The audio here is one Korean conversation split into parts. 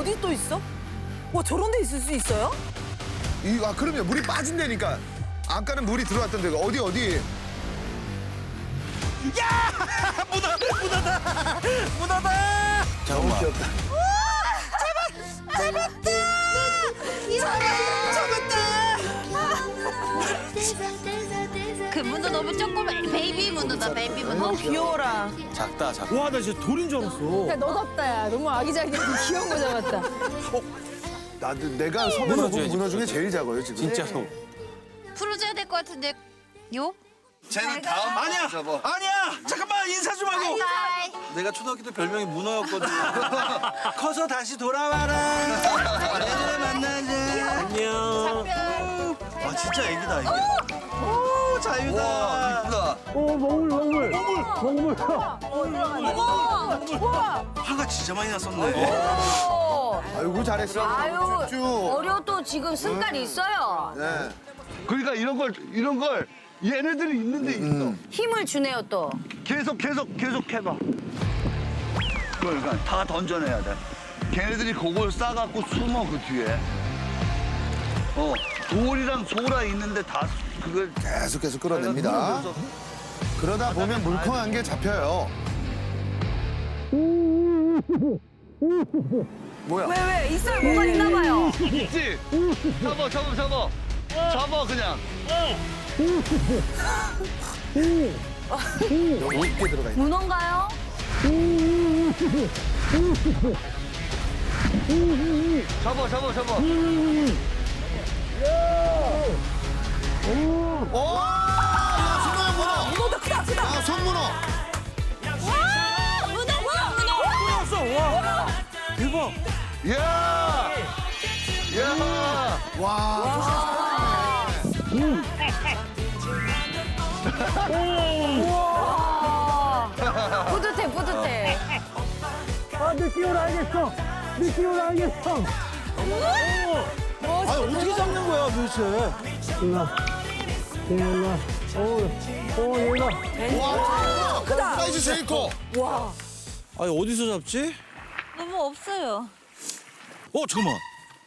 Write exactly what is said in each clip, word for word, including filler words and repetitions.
어디 또 있어? 와, 저런 데 있을 수 있어요? 이, 아, 그럼요. 물이 빠진다니까. 아까는 물이 들어왔던 데가 어디, 어디. 야! 문어! 문어다! 문어다! 잠깐만. 귀엽다. 잡았다! 그 문어 너무 조그매. 베이비 문어다, 베이비 문어. 귀여워라. 작다, 작다. 와, 나 진짜 돌인 줄 알았어. 야, 너답다, 야. 너무 아기자기하고 귀여운 거 잡았다. 나도 내가 섬에서 본 문어줘야지, 문어 중에 문어줘야지. 제일 작아요, 지금. 진짜로. 풀어줘야 될 것 같은데. 요? 쟤는 다음 아니야! 아니야! 잠깐만 인사 좀 하고! 하이. 내가 초등학교 때 별명이 문어였거든. 커서 다시 돌아와라. 얘들아 만나자. 안녕. 아 진짜 애기다 애기. 오 자유다. 이쁘다. 오, 먹물, 먹물. 먹물, 먹물. 화가 진짜 많이 났었네. 아이고, 잘했어. 아유, 쭉. 어려도 지금 승깔이 있어요. 네. 그러니까 이런 걸 이런 걸 얘네들이 있는데 있어. 힘을 주네요, 또. 계속 계속 계속 해봐. 그러니까 다 던져내야 돼. 걔네들이 그걸 싸갖고 숨어 그 뒤에. 어 돌이랑 소라 있는데 다 수- 그걸 계속해서 끌어냅니다. 그러면서 그러다 보면 물컹한 게 잡혀요. 뭐야? 왜, 왜? 있어요. 뭐가 있나 봐요. 있지. 잡아 잡아 잡아. 잡아 그냥. 여기 깊게 들어가 있네. 문어인가요? 잡아 잡아 잡아. 오! 야, 손문어, 문어! 문어다, 크다, 크다. 아, 손문어! 왔어, 와. 대박. 야. 야. 와, 뿌듯해, 뿌듯해. 아, 느끼올 알겠어. 느끼올 알겠어. 아니 어떻게 잡는 거야 도대체? 일나. 일나. 오, 오, 일나. 와, 크다! 사이즈 제일 커! 아니 어디서 잡지? 너무 없어요. 어 잠깐만.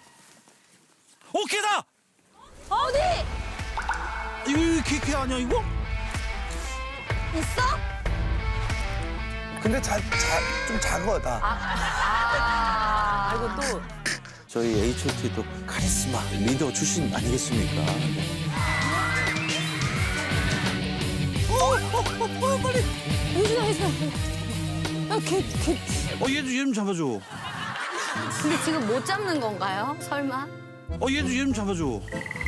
어 개다! 어디? 이거 이거 개, 개 아니야 이거? 있어? 근데 자, 자, 좀 작아, 다. 아, 이거 또. 저희 에이치 오 티도 카리스마 리더 출신 아니겠습니까? 어디서 했어? 야, 걔, 걔. 어 얘도 얘 좀 잡아줘. 근데 지금 못 잡는 건가요? 설마? 어 얘도 얘 좀 잡아줘.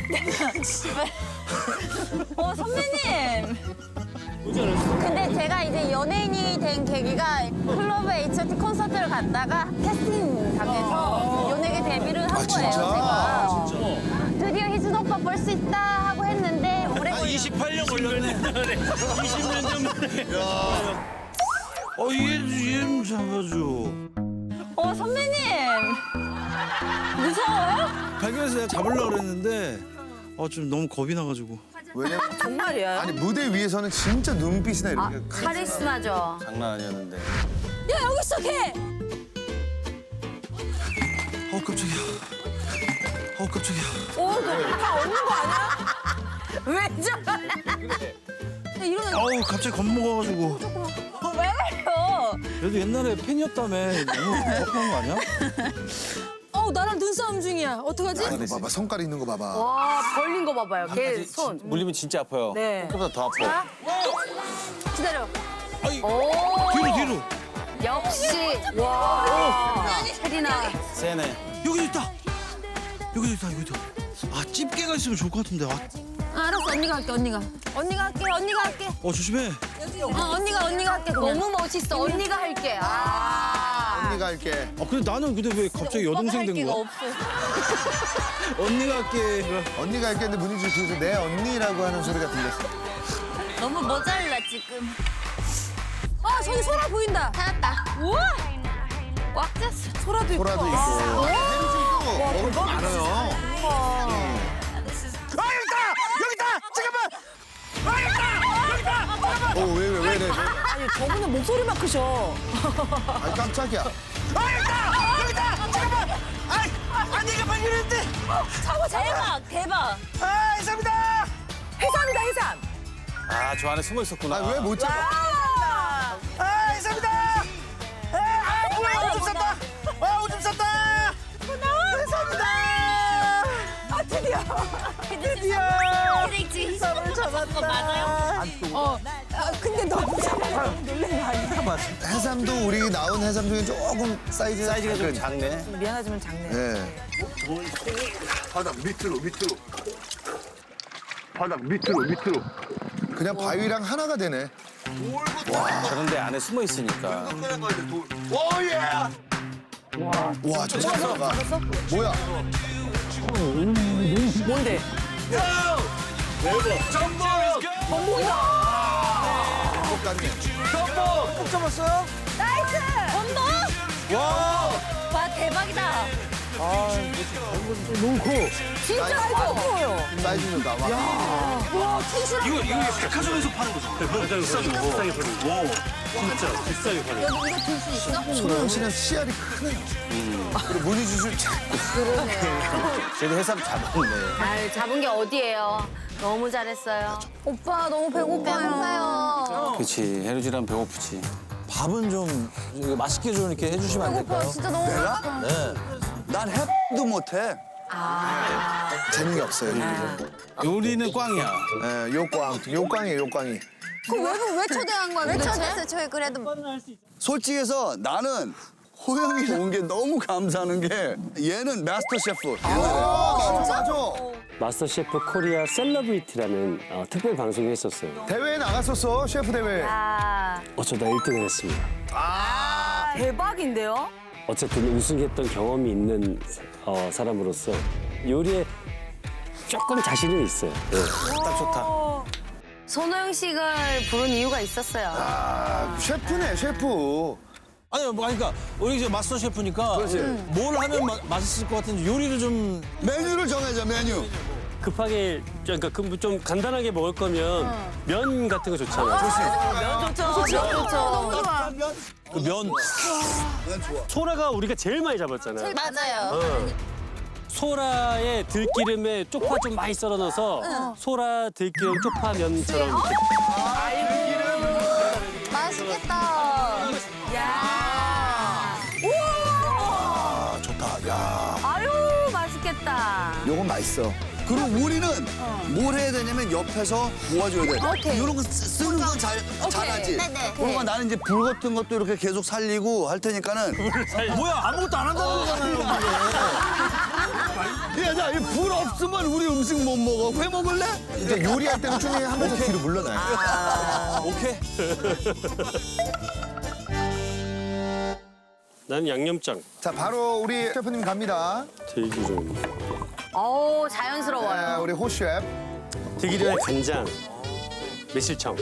어, 선배님. 근데 제가 이제 연예인이 된 계기가 클럽 에이치 오 티 콘서트를 갔다가 캐스팅 당해서 연예계 데뷔를 한 아, 거예요, 진짜? 제가. 진짜. 드디어 희준 오빠 볼 수 있다 하고 했는데 오래 한 걸려. 이십팔 년 걸렸네. 이십 년 전에. 어 얘도 얘 좀 잡아줘. 어, 선배님. 무서워요? 발견해서 내가 잡으려고 그랬는데 어 좀 너무 겁이 나가지고. 왜냐면, 정말이야. 아니, 무대 위에서는 진짜 눈빛이나 아, 이렇게. 카리스마죠. 장난 아니었는데. 야, 여기 있어, 걔. 어 깜짝이야. 어 깜짝이야. 어, 너다 없는 거 아니야? 왜 저래? 야, 이러면. 아우 갑자기 겁먹어가지고. 어, 왜 그래요? 그래도 옛날에 팬이었다며 너무 겁한 거 아니야? 어, 나랑 눈싸움 중이야. 어떡하지? 아, 이거 봐봐, 성깔 있는 거 봐봐. 와, 벌린 거 봐봐요. 걔 손. 물리면 진짜 아파요. 네. 생각보다 더 아파. 기다려. 아이, 오. 뒤로 뒤로. 역시. 와. 세리나. 세네. 여기도 있다. 여기도 있다. 여기도. 아 집게가 있으면 좋을 것 같은데. 아, 아, 알았어, 언니가 할게, 언니가. 언니가 할게, 언니가 할게. 어 조심해. 어, 언니가, 언니가 할게. 그냥. 너무 멋있어. 언니가 할게. 아. 언니가 할게. 아 근데 나는 근데 왜 갑자기 여동생 된 거야? 언니가 할게. 언니가 할게 했는데 문희주 뒤에서 내 언니라고 하는 소리가 들렸어. 너무 모자라, 지금. 아, 저기 소라 보인다. 찾았다. 우와! 꽉 찼어. 소라도 있고. 소라도 있고. 해루도 있고. 먹을 거 많아요. 아 여기 있다. 여기 있다. 잠깐만. 아 여기 있다. 여기 있다. 잠깐만. 어, 왜, 왜, 왜, 왜. 아니, 저분은 목소리만 크셔. 아, 깜짝이야. 아 여기다 여기다 잠깐만. 아이 아 내가 발견했는데. 잡아, 대박, 대박. 아 해삼이다. 해삼이다 해삼. 아, 저 안에 숨어 있었구나. 아, 왜 못 잡아? 아 해삼이다. 아 뭐야 오줌 쌌다. 아 오줌 쌌다. 해삼이다. 아 드디어. 드디어. 드디어. 해삼을 잡았다. 맞아요? 어. 아, 근데 너무 잡아. 놀란 거 아니야? 해삼도 우리 나온 해삼 중에 조금 사이즈 사이즈가 좀 작네. 미안하지만 작네. 네. 바닥 밑으로 밑으로. 바닥 밑으로 밑으로. 그냥 바위랑 하나가 되네. 그런데 안에 숨어 있으니까. 오예. 와, 저 잡아가. 뭐야? 뭔데? 똑같네. 꼭 잡았어요? 나이스! 건너? 와. 와, 대박이다. 너무 커. 진짜 커요. 사이즈는 나와. 와, 텐션. 이거 이거 백화점에서 파는 거잖아. 비싸게 비싸게 팔리고. 와, 진짜 비싸게 팔려. 여기 이거 들 수 있어? 소영 씨는 씨알이 크네요. 그리고 문희주 씨 쟤도 해삼 잡았네. 아유, 잡은 게 어디예요? 너무 잘했어요. 오빠, 너무 배고파요. 배고파요. 그렇지. 해루지랑 배고프지. 밥은 좀 이거 맛있게 좀 이렇게 해주시면 안 될까요? 진짜 너무 배고파. 네. 난 해도 못해. 재능이 없어요. 요리는 꽝이야. 네, 요꽝, 요꽝이에요, 요꽝이. 그럼 왜, 왜 초대한 거야? 왜 초대했어요? 저희 그래도. 솔직해서 나는 호영이 온 게 너무 감사하는 게 얘는 마스터 셰프. 아, 맞아, 맞아. 마스터 셰프 코리아 셀러브리티라는 어, 특별 방송이 했었어요. 대회에 나갔었어, 셰프 대회. 아, 어쩌다 일 등을 했습니다. 대박인데요? 어쨌든 우승했던 경험이 있는 어, 사람으로서 요리에 조금 자신은 있어요. 네. 딱 좋다. 손호영 씨를 부른 이유가 있었어요. 아, 셰프네, 셰프. 아니, 뭐, 그러니까 우리 이제 마스터 셰프니까 뭘 하면 마- 맛있을 것 같은지 요리를 좀 메뉴를 정해줘 메뉴. 급하게 그러니까 그 좀 간단하게 먹을 거면 면 같은 거 좋잖아요. 면 좋죠. 면 좋죠. 너무 좋아. 그 면 소라가 우리가 제일 많이 잡았잖아요. 맞아요. 소라의 들기름에 쪽파 좀 많이 썰어 넣어서 소라 들기름 쪽파면처럼 이렇게 맛있겠다. 아, 좋다, 야. 아유, 맛있겠다. 요건 맛있어. 그리고 우리는 뭘 해야 되냐면 옆에서 도와줘야 돼. 오케이. 이런 거 쓰- 쓰는 건 잘, 잘하지. 네네. 그러니까 나는 이제 불 같은 것도 이렇게 계속 살리고 할 테니까는. 뭐야 아무것도 안 한다는 거잖아요. 야, 나 이 불 없으면 우리 음식 못 먹어. 회 먹을래? 이제 요리할 때는 쭈니 한 번씩 뒤로 물러나요. 오케이. 난 양념장, 자, 바로 우리 셰프님 갑니다. 들기름, 어우, 네, 자연스러워요. 우리 호 셰프. 들기름에 간장, 매실청.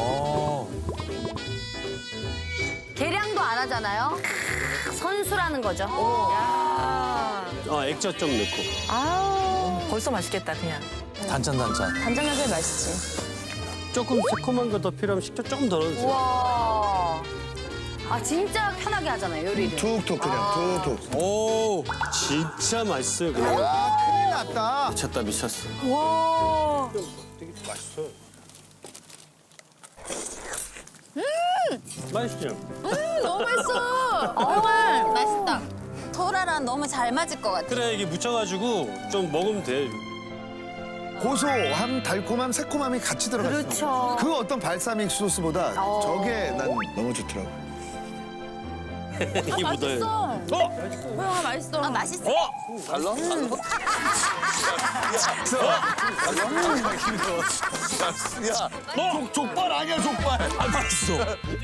계량도 안 하잖아요. 선수라는 거죠. 어, 액젓 좀 넣고. 아우, 벌써 맛있겠다 그냥. 단짠 단짠. 간장게장 맛있지. 조금 새콤한 거 더 필요하면 식초 조금 더 넣어주세요. 와. 아, 진짜 편하게 하잖아요, 요리를. 툭툭 그냥 툭툭. 오 진짜 맛있어요, 그냥. 아, 큰일 났다. 미쳤다 미쳤어. 와. 맛있죠? 너무 맛있어. 정말 맛있다. 토라랑 너무 잘 맞을 것 같아. 그래, 이게 묻혀가지고 좀 먹으면 돼. 고소함, 달콤함, 새콤함이 같이 들어가 있어. 그렇죠. 그 어떤 발사믹 소스보다 어. 저게 난 너무 좋더라고. 이게 묻어요. 호영아 맛있어. 아, 맛있어. 달라? 야, 족, 족발 아니야, 족발. 아 맛있어.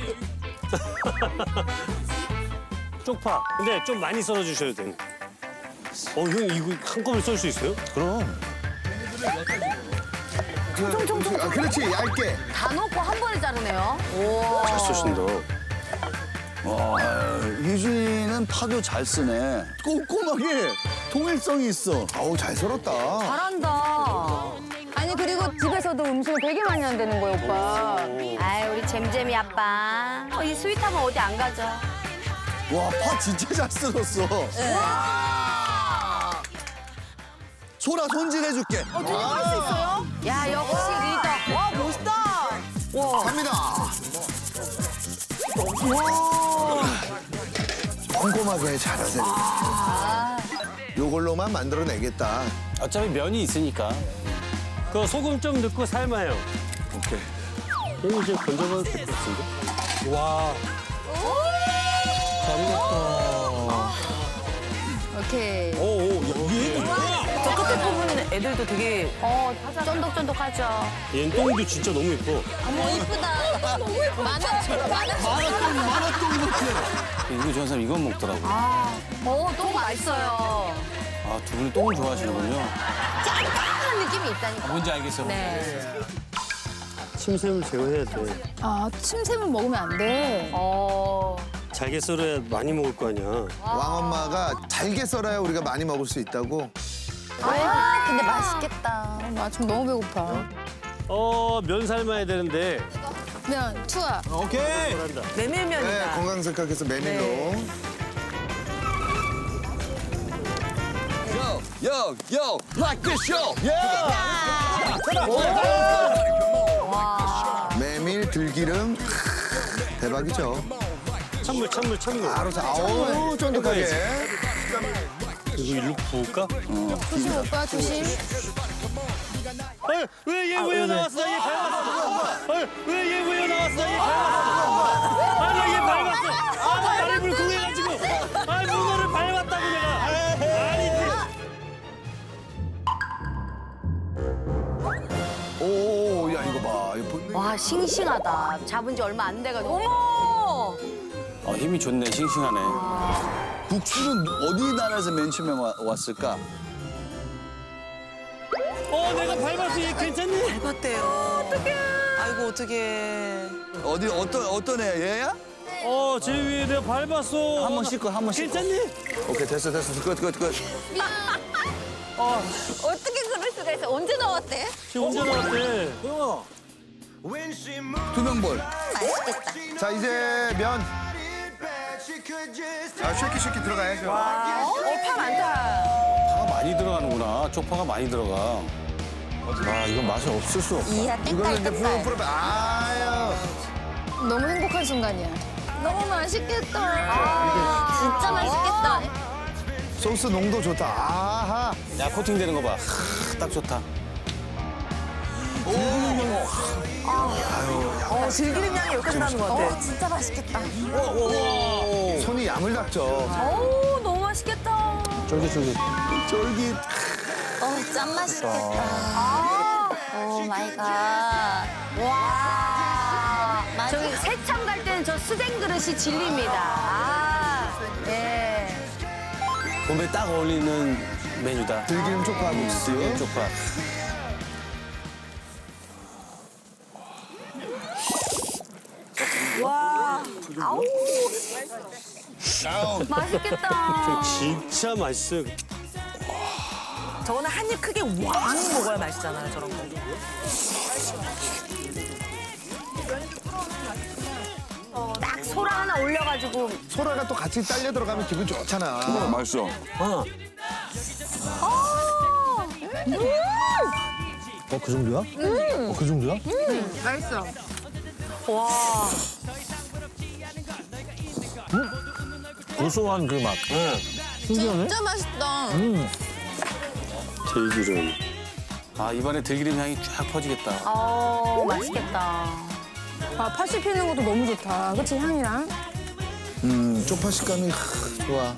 쪽파. 근데 좀 많이 썰어주셔야 돼. 어, 형 이거 한꺼번에 썰 수 있어요? 그럼. 아, 그렇지, 얇게. 다 넣고 한 번에 자르네요. 우와. 잘 쓰신다. 와, 유진이는 파도 잘 쓰네. 꼼꼼하게 통일성이 있어. 아우, 잘 썰었다. 잘한다. 아니 그리고 집에서도 음식을 되게 많이 한다는 거예요, 오빠. 아이, 우리 잼잼이 아빠. 어, 이 스윗하면 어디 안 가죠. 와, 파 진짜 잘 썰었어. 소라 손질해줄게. 야 역시 리더. 와 멋있다. 갑니다. 와. 꼼꼼하게 잘하세요. 요걸로만 만들어내겠다. 어차피 면이 있으니까. 그 소금 좀 넣고 삶아요. 오케이. 이거 이제 건져봐도 될 것 같은데? 와. 잘 익었다. 오케이. 오, 오, 야, 위에도 좋아. 저 끝에 부분 애들도 되게 어 쫀득쫀득하죠. 얘는 똥도 진짜 너무 예뻐. 어머 이쁘다. 너무 예쁘다. 만화처럼 만화처럼. 이거 좋아하는 사람 이건 먹더라고. 어똥 맛있어요. 아, 두 분이 똥을 좋아하시는군요. 짠한 느낌이 있다니까. 뭔지 알겠어. 네. 침샘을 제거해야 돼. 아 침샘을 먹으면 안 돼. 어. 잘게 썰어야 많이 먹을 거 아니야. 왕엄마가 잘게 썰어야 우리가 많이 먹을 수 있다고. 아, 근데 맛있겠다. 나 지금 너무 배고파. 어, 면 삶아야 되는데. 면 투하. 오케이. 잘한다. 네, 메밀면이다. 건강 생각해서 메밀로. Yo, yo, yo, like this show. 메밀, 들기름. 대박이죠. 찬물, 찬물, 찬물. 바로 자, 아우, 쫀득하게. 이거 일로 부을까? 조심 오빠 조심. 왜 얘 왜 나왔어? 얘 밟았어. 왜 얘 왜 나왔어? 얘 밟았어. 아, 나 얘 밟았어. 아, 나 다리 불끈해가지고. 아, 문어를 밟았다고 내가. 아니, 오, 야, 이거 봐. 이거 보- 와 싱싱하다. 잡은 지 얼마 안 돼가지고. 어머! 아, 힘이 좋네. 싱싱하네. 국수는 어디 나라에서 맨 처음에 와- 왔을까? 어, 내가 밟았어. 얘 괜찮니? 밟았대요. 어떡해. 아이고 어떡해. 어디 어떤 어떤 애 얘야? 어, 제 위에 내가 밟았어. 한 번 씻고 한 번 씻고. 괜찮니? 오케이 됐어 됐어 끝 끝 끝. 어떻게 그럴 수가 있어? 언제 나왔대? 지금 혼자 나왔대. 투명볼. 맛있겠다. 자, 이제 면. 아, 쉐키 쉐키 들어가야죠. 어, 파 많다. 파가 많이 들어가는구나. 쪽파가 많이 들어가. 아, 이건 맛이 없을 수 없어. 이야, 이걸로 이제 땡딸 풀어 땡딸. 풀어. 아유. 너무 행복한 순간이야. 너무 맛있겠다. 아, 진짜 맛있겠다. 소스 농도 좋다. 아하. 야, 코팅되는 거 봐. 하, 딱 좋다. 어, 들기름 향이 여기까지 나는 것 같아. 어, 진짜 맛있겠다. 손이 야물닥죠. 오, 너무 맛있겠다. 쫄깃쫄깃. 쫄깃. 어, 짠 맛있겠다. 오 마이 갓. 와. 맛있- 저기 세창 갈 때는 저 수댕 그릇이 진리입니다. 아, 네. 봄에 딱 어울리는 메뉴다. 들기름 쪽파 국수. 들기름 쪽파. 맛있겠다. 진짜 맛있어요. 저거는 한 입 크게 왕 먹어야 맛있잖아요, 저런 거. 딱 소라 하나 올려가지고. 소라가 또 같이 딸려 들어가면 기분 좋잖아. 맛있어. 어. 어, 그 정도야? 어, 그 정도야? 맛있어. 고소한 그 맛. 진짜 맛있다. 들기름. 아, 입안에 들기름 향이 쫙 퍼지겠다. 어, 맛있겠다. 아, 파 씹히는 것도 너무 좋다. 그치 향이랑. 음, 쪽파 식감이 하, 좋아.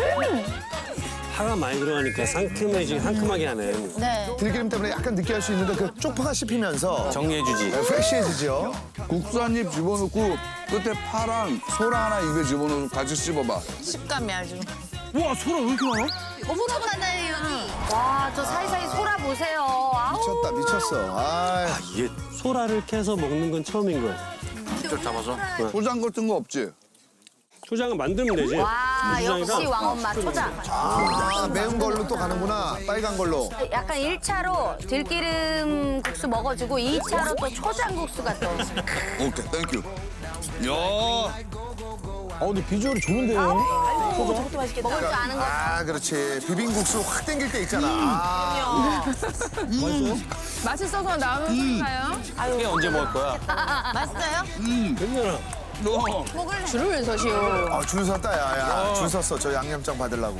파가 많이 들어가니까 상큼해지 상큼하게 하네. 네. 들기름 때문에 약간 느끼할 수 있는데 그 쪽파가 씹히면서 정리해주지. 네, 프레쉬해지죠. 국수 한 입 집어넣고 끝에 파랑 소라 하나 입에 집어넣고 같이 씹어봐. 식감이 아주. 와, 소라 왜 이렇게 많아? 소라 많아요, 여기. 와, 저 사이사이 소라 보세요. 아우. 미쳤다, 미쳤어. 아, 이게 소라를 캐서 먹는 건 처음인 거야. 직접 잡아서. 포장 같은 거 없지? 초장을 만들면 되지. 와, 고추장이랑. 역시 왕엄마 초장. 아, 매운 걸로 또 가는구나. 빨간 걸로. 약간 일 차로 들기름 국수 먹어주고 이 차로 또 초장 국수가 또. 오케이, 땡큐. 야, 어, 근데 비주얼이 좋은데요? 먹을 줄 아는 거. 아, 그렇지. 비빔국수 확 땡길 때 있잖아. 아, 맛있어요? 맛있어서 나오는 건가요? 이게 언제 먹을 거야? 맛있어요? 괜찮아. 너 줄을 서시오. 아, 줄 섰다, 야, 야. 줄 섰어. 저 양념장 받으려고.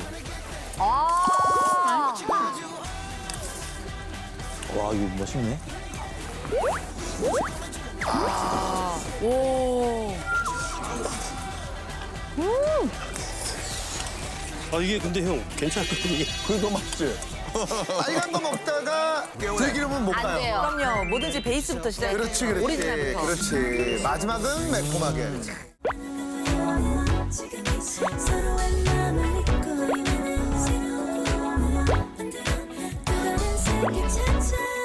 아. 와, 이거 멋있네. 아 이게 근데 형 괜찮거든요. 이게. 그게 더 맛있지. 빨간 거 먹다가 들기름은 못 안 가요. 돼요. 그럼요. 뭐든지 베이스부터 시작해. 그렇지, 그렇지. 오리지널부터. 그렇지. 마지막은 매콤하게. 서로의 마음을 잊고 있는 새로운 꿈을 만들어 또 다른 세계 찾아